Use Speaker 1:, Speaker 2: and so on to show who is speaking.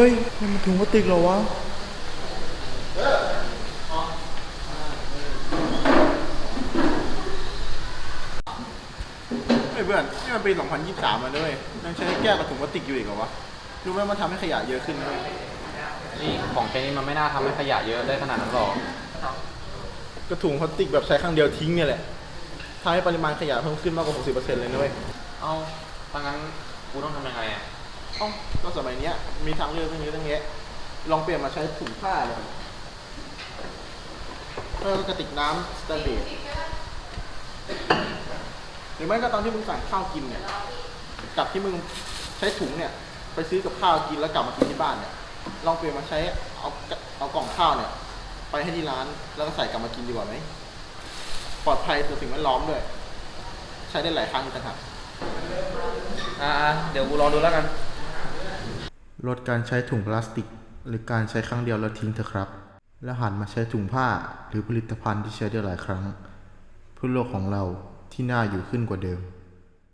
Speaker 1: ยมันถุงพลาสติกเหรอวะเฮ้ยเพื่อนนี่มันปี 2023แล้วด้วยยังใช้แก้วกับถุงพลาสติกอยู่อีกเหรอวะรู้ไหมมันทำให้ขยะเยอะขึ้นไหม
Speaker 2: นี่ของแค่นี้มันไม่น่าทำให้ขยะเยอะได้ขนาดนั้นหรอก
Speaker 1: กระถุงพลาสติกแบบใช้ครั้งเดียวทิ้งเนี่ยแหละทำให้ปริมาณขยะเพิ่มขึ้นมากกว่า 60% เลยนะเว้ย
Speaker 2: เอาถ้างั้นกูต้องทำยังไงอ่ะ
Speaker 1: ก็สมัยนี้มีทางเลือกตั้งเยอะตั้งแยะลองเปลี่ยนมาใช้ถุงผ้าเลยเพื่อกระติกน้ำสแตนเลสหรือไม่ก็ตอนที่มึงสั่งข้าวกินเนี่ยกับที่มึงใช้ถุงเนี่ยไปซื้อกับข้าวกินแล้วกลับมากินที่บ้านเนี่ยลองเปลี่ยนมาใช้เอากล่องข้าวเนี่ยไปให้ที่ร้านแล้วก็ใส่กลับมากินดีกว่าไหมปลอดภัยต่อสิ่งแวดล้อมด้วยใช้ได้หลายครั้งต่างหาก
Speaker 2: เดี๋ยวกูลองดูแล้วกัน
Speaker 1: ลดการใช้ถุงพลาสติกหรือการใช้ครั้งเดียวแล้วทิ้งเถอะครับและหันมาใช้ถุงผ้าหรือผลิตภัณฑ์ที่ใช้ได้หลายครั้งเพื่อโลกของเราที่น่าอยู่ขึ้นกว่าเดิม